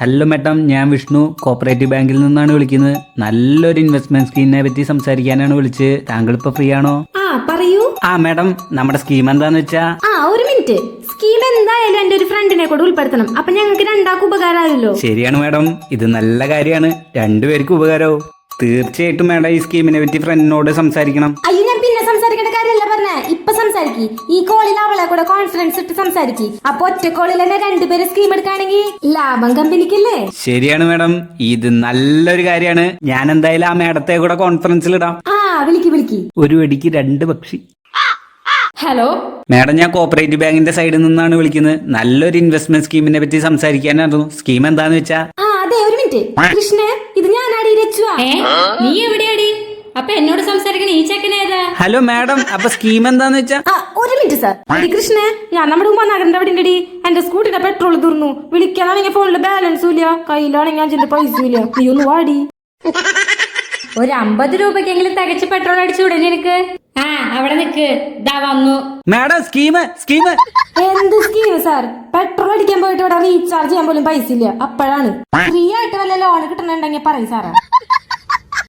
Hello madam, ഞാൻ Vishnu cooperative ബാങ്കിൽ നിന്നാണ് വിളിക്കുന്നത്. നല്ലൊരു ഇൻവെസ്റ്റ്മെന്റ് സ്കീമിനെ പറ്റി സംസാരിക്കാനാണ് വിളിച്ചത്. താങ്കൾ ഇപ്പൊ ഫ്രീ ആണോ? പറയൂ. മേഡം, നമ്മുടെ സ്കീം എന്താന്ന് വെച്ചാ ഒരു മിനിറ്റ്. സ്കീം എന്തായാലും എന്റെ ഒരു ഫ്രണ്ടിനെ കൂടെ ഉൾപ്പെടുത്തണം. അപ്പൊ ഞങ്ങൾക്ക് രണ്ടാക്കും ഉപകാരമായല്ലോ. ശരിയാണ് മേഡം, ഇത് നല്ല കാര്യമാണ്. രണ്ടുപേർക്കും ഉപകാരവും. തീർച്ചയായിട്ടും മേഡം ഈ സ്കീമിനെ പറ്റി ഫ്രണ്ടിനോട് സംസാരിക്കണം. അയ്യോ, ഞാൻ പിന്നെ സംസാരിക്കേണ്ട കാര്യമല്ല പറഞ്ഞേ, ഇപ്പൊ സംസാരിക്കി. ഈ കോളിൽ അവളെ കൂടെ കോൺഫറൻസ് ഇട്ട് സംസാരിക്കി. അപ്പൊ ഒറ്റ കോളിൽ തന്നെ രണ്ടുപേരെ സ്കീം എടുക്കുകയാണെങ്കിൽ ലാഭം കമ്പനിക്കല്ലേ? ശരിയാണ് മേഡം, ഇത് നല്ലൊരു കാര്യമാണ്. ഞാൻ എന്തായാലും ആ മേഡത്തെ കൂടെ കോൺഫറൻസിൽ ഇടാം. വിളിക്ക്. ഒരു വെടിക്ക് രണ്ട് പക്ഷി. ഹലോ മേഡം, ഞാൻ കോപ്പറേറ്റീവ് ബാങ്കിന്റെ സൈഡിൽ നിന്നാണ് വിളിക്കുന്നത്. നല്ലൊരു ഇൻവെസ്റ്റ്മെന്റ് സ്കീമിനെ പറ്റി സംസാരിക്കാനായിരുന്നു. സ്കീം എന്താന്ന് വെച്ചാ അതെ, ഒരു മിനിറ്റ്. കൃഷ്ണ, ഇത് ഞാനാടി രച്ചുവാ. നീ എവിടെയാടി? അപ്പൊ എന്നോട് സംസാരിക്കണ ഈ ചെക്കനേതാ? ഹലോ മേഡം, അപ്പൊ സ്കീം എന്താന്ന് വെച്ചാ? ഒരു മിനിറ്റ് സാർ. കൃഷ്ണ, ഞാൻ നമ്മുടെ ഉമ്മാനഗറിന്റെ അവിടെ ഉണ്ടടി. എന്റെ സ്കൂട്ടിയുടെ പെട്രോൾ തീർന്നു. വിളിക്കാനാണെങ്കിൽ ഫോണില് ബാലൻസും ഇല്ല, കയ്യിലാണെങ്കിൽ 5 പൈസ ഇല്ല. നീ ഒന്ന് വാടി. ഒരു 50 രൂപക്കെങ്കിലും തികച്ച് പെട്രോൾ അടിച്ചുകൂടെ നിനക്ക്? അവിടെ നിക്ക്, ദാ വന്നു. മേഡം, സ്കീം എന്ത് സ്കീം സാർ? പെട്രോൾ അടിക്കാൻ പോയിട്ട് ഇവിടെ റീചാർജ് ചെയ്യാൻ പോലും പൈസ ഇല്ല. അപ്പോഴാണ് ഫ്രീ ആയിട്ട് വല്ല ലോൺ കിട്ടണുണ്ടെങ്കിൽ പറയും സാറേ.